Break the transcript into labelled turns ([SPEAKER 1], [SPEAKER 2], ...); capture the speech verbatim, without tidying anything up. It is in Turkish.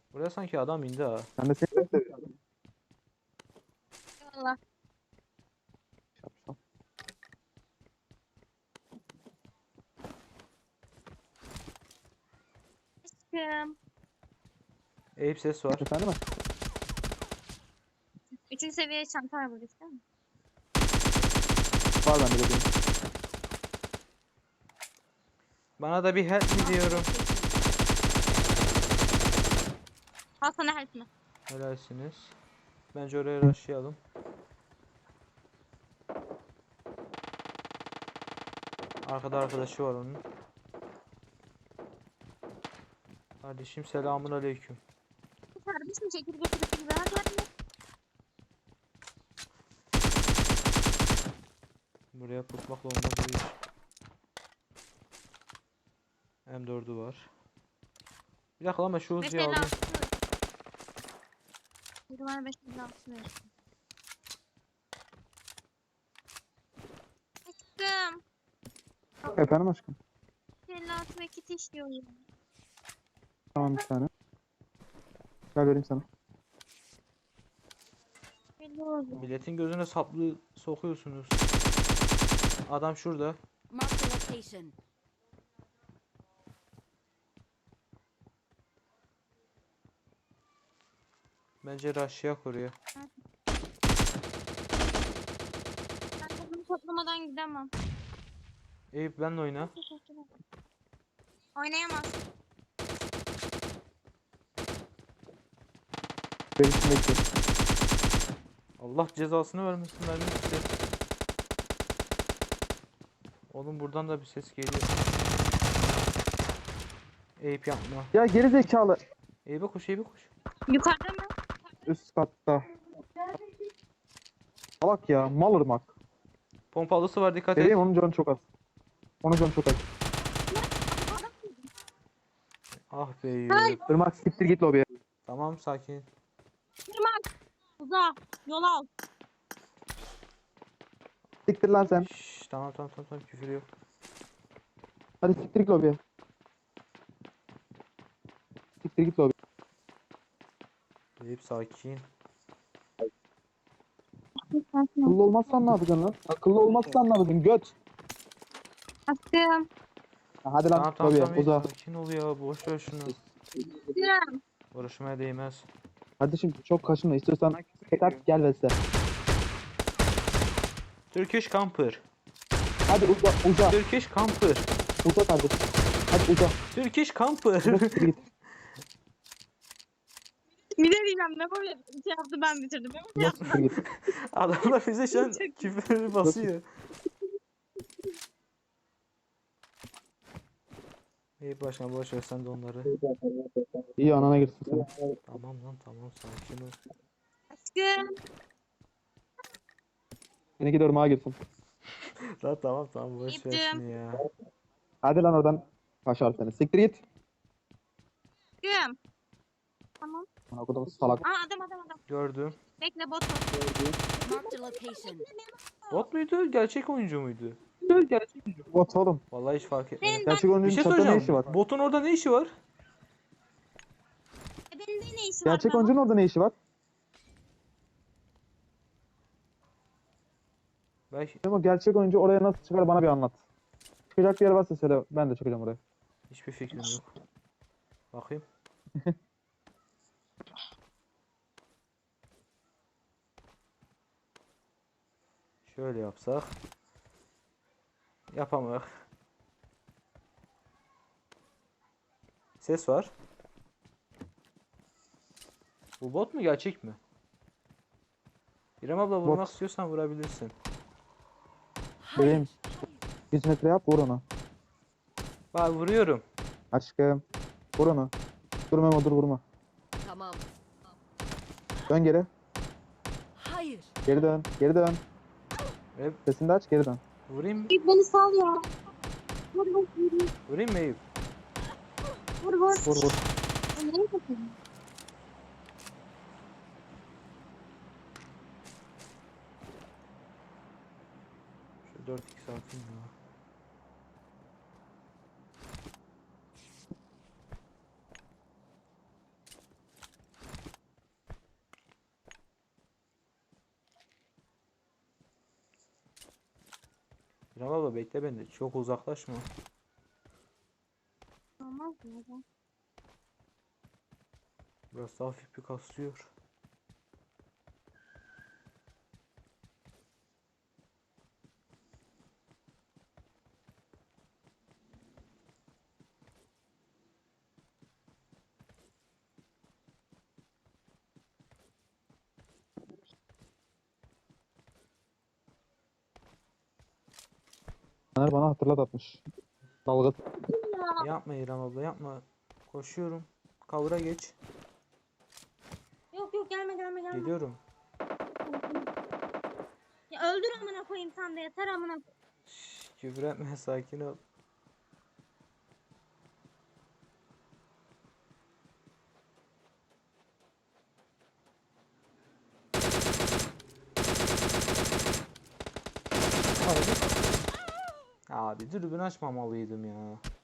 [SPEAKER 1] Buraya sanki adam indi ha.
[SPEAKER 2] Ben de seni çok seviyorum.
[SPEAKER 3] Eyvallah.
[SPEAKER 2] Şapşal.
[SPEAKER 3] Aşkım.
[SPEAKER 1] Eyüp ses var.
[SPEAKER 2] Efendim mi?
[SPEAKER 3] Üçüncü seviye çanta var burada değil mi?
[SPEAKER 2] Var bende dediğim.
[SPEAKER 1] Bana da bir help mi diyorum.
[SPEAKER 3] Al sana help'ini.
[SPEAKER 1] Helalsiniz. Bence oraya rushlayalım. Arkada arkadaşı var onun. Kardeşim selamun aleyküm.
[SPEAKER 3] Kardeşim çekil götürüp gibi hadi hadi.
[SPEAKER 1] Buraya pusmakla olmaz bu iş. M dördü var. Bir dakika ama şu Uzi'yi
[SPEAKER 3] Mesela
[SPEAKER 1] alayım.
[SPEAKER 3] bir var beş yüz altı ver. Aşkım.
[SPEAKER 2] Efendim aşkım.
[SPEAKER 3] elli altı ve kit işliyorum.
[SPEAKER 2] Tamam bir tane. Gel vereyim sana.
[SPEAKER 3] elli oldu.
[SPEAKER 1] Milletin gözüne saplı sokuyorsunuz. Adam şurada.
[SPEAKER 4] Mark the location.
[SPEAKER 1] Bence rush'layak oraya.
[SPEAKER 3] Ben bunu toplamadan gidemem.
[SPEAKER 1] Eyüp benle oyna.
[SPEAKER 3] Oynayamaz.
[SPEAKER 2] Benim için bekliyorum.
[SPEAKER 1] Allah cezasını vermesin mermi bitti. Oğlum buradan da bir ses geliyor. Eyüp yapma.
[SPEAKER 2] Ya geri zekalı.
[SPEAKER 1] Eyüp'e koş, Eyüp'e koş.
[SPEAKER 3] Yukarıda mı?
[SPEAKER 2] Üst katta. Salak ya. Mal ırmak.
[SPEAKER 1] Pompalısı var, dikkat et.
[SPEAKER 2] Vereyim onun canı çok az. Onun canı çok az.
[SPEAKER 1] Ah be Eyüp.
[SPEAKER 2] Irmak siktir git lobiye.
[SPEAKER 1] Tamam sakin.
[SPEAKER 3] Kırmak. Uza. Yol al.
[SPEAKER 2] Siktir lan sen.
[SPEAKER 1] Şşş, tamam tamam tamam tamam küfür yok.
[SPEAKER 2] Hadi siktir git lobiye. Siktir git lobiye.
[SPEAKER 1] Eyüp sakin.
[SPEAKER 2] Akıllı olmazsan ne yapacaksın lan? Akıllı olmazsan ne yapacaksın? Göt.
[SPEAKER 3] Aşkım.
[SPEAKER 2] Ha, hadi lan
[SPEAKER 1] Tamam tamam
[SPEAKER 2] lobiye
[SPEAKER 1] tamam Eyüp,
[SPEAKER 2] uza.
[SPEAKER 1] sakin ol ya, boş ver şunu.
[SPEAKER 3] Aşkım.
[SPEAKER 1] Uğraşmaya değmez.
[SPEAKER 2] Kardeşim çok kaşınma. İstiyorsan tekrar gel ve sen.
[SPEAKER 1] Turkish Camper.
[SPEAKER 2] Hadi uza uza.
[SPEAKER 1] Turkish Camper.
[SPEAKER 2] Uza kardeşim. Hadi uza.
[SPEAKER 1] Turkish Camper.
[SPEAKER 2] Uza siktir git.
[SPEAKER 3] Bir de diyeceğim ne böyle şey yaptı ben bitirdim.
[SPEAKER 2] Uza siktir git.
[SPEAKER 1] Adamlar bize şu an
[SPEAKER 3] Çok iyi.
[SPEAKER 1] küfür basıyor. Eyüp başkan boş ver sen de onları.
[SPEAKER 2] İyi anana girsin sen.
[SPEAKER 1] Tamam lan tamam, sakin ol.
[SPEAKER 3] Aşkım.
[SPEAKER 2] Seninki de ırmağa girsin.
[SPEAKER 1] Lan tamam tamam boş ver
[SPEAKER 3] Eyüp'cüğüm.
[SPEAKER 1] şunu ya.
[SPEAKER 2] Hadi lan oradan. Kaşar seni. Siktir git.
[SPEAKER 3] Aşkım. Tamam.
[SPEAKER 2] Bana kadar salak.
[SPEAKER 3] Aa adam adam adam.
[SPEAKER 1] Gördüm.
[SPEAKER 3] Bekle bot var.
[SPEAKER 4] Mark the location.
[SPEAKER 1] Bot muydu? Gerçek oyuncu muydu?
[SPEAKER 2] Bot oğlum.
[SPEAKER 1] Vallahi hiç fark etmedim.
[SPEAKER 3] Senin
[SPEAKER 2] Gerçek
[SPEAKER 1] Bir
[SPEAKER 2] oyuncunun
[SPEAKER 1] şey
[SPEAKER 2] çatıda ne
[SPEAKER 1] soracağım.
[SPEAKER 2] işi var?
[SPEAKER 1] Botun orada ne işi var?
[SPEAKER 3] ben, benim de ne işi var?
[SPEAKER 2] Gerçek
[SPEAKER 3] be?
[SPEAKER 2] oyuncunun orada ne işi var?
[SPEAKER 1] Belki
[SPEAKER 2] Ama gerçek oyuncu oraya nasıl çıkar bana bir anlat. Çıkacak bir yer varsa söyle. Ben de çıkacağım oraya.
[SPEAKER 1] hiçbir fikrim yok. Bakayım. Şöyle yapsak. Yapamak. Ses var. Bu bot mu gerçek mi? İrem abla vurmak
[SPEAKER 2] Bot.
[SPEAKER 1] istiyorsan vurabilirsin.
[SPEAKER 2] Bebeğim. yüz metre yap vur onu.
[SPEAKER 1] Bak vuruyorum.
[SPEAKER 2] Aşkım. Vur onu. Dur Memo dur vurma.
[SPEAKER 4] Tamam.
[SPEAKER 2] Dön geri.
[SPEAKER 4] Hayır.
[SPEAKER 2] Geri dön. Geri dön.
[SPEAKER 1] Ve
[SPEAKER 2] Sesini de aç geri dön.
[SPEAKER 1] vurayım mı?
[SPEAKER 3] Eyüp beni sal ya. Vur vur vur.
[SPEAKER 1] Vurayım mı Eyüp?
[SPEAKER 3] Vur vur.
[SPEAKER 2] Vur vur.
[SPEAKER 3] Ben nereye bakıyorum?
[SPEAKER 1] Şu dört x atayım ya. İrem abla bekle beni. Çok uzaklaşma.
[SPEAKER 3] Olmaz mı? ya?
[SPEAKER 1] Burası hafif bir kasıyor.
[SPEAKER 2] Caner bana hatırlat atmış. Dalga.
[SPEAKER 1] Yapma İrem abla yapma. Koşuyorum. Kavura geç.
[SPEAKER 3] Yok yok gelme gelme gelme.
[SPEAKER 1] Geliyorum.
[SPEAKER 3] Ya öldür amına koyayım sen de yeter amına.
[SPEAKER 1] Şşş, küfür etme sakin ol. Abi. Abi dürbün açmamalıydım ya.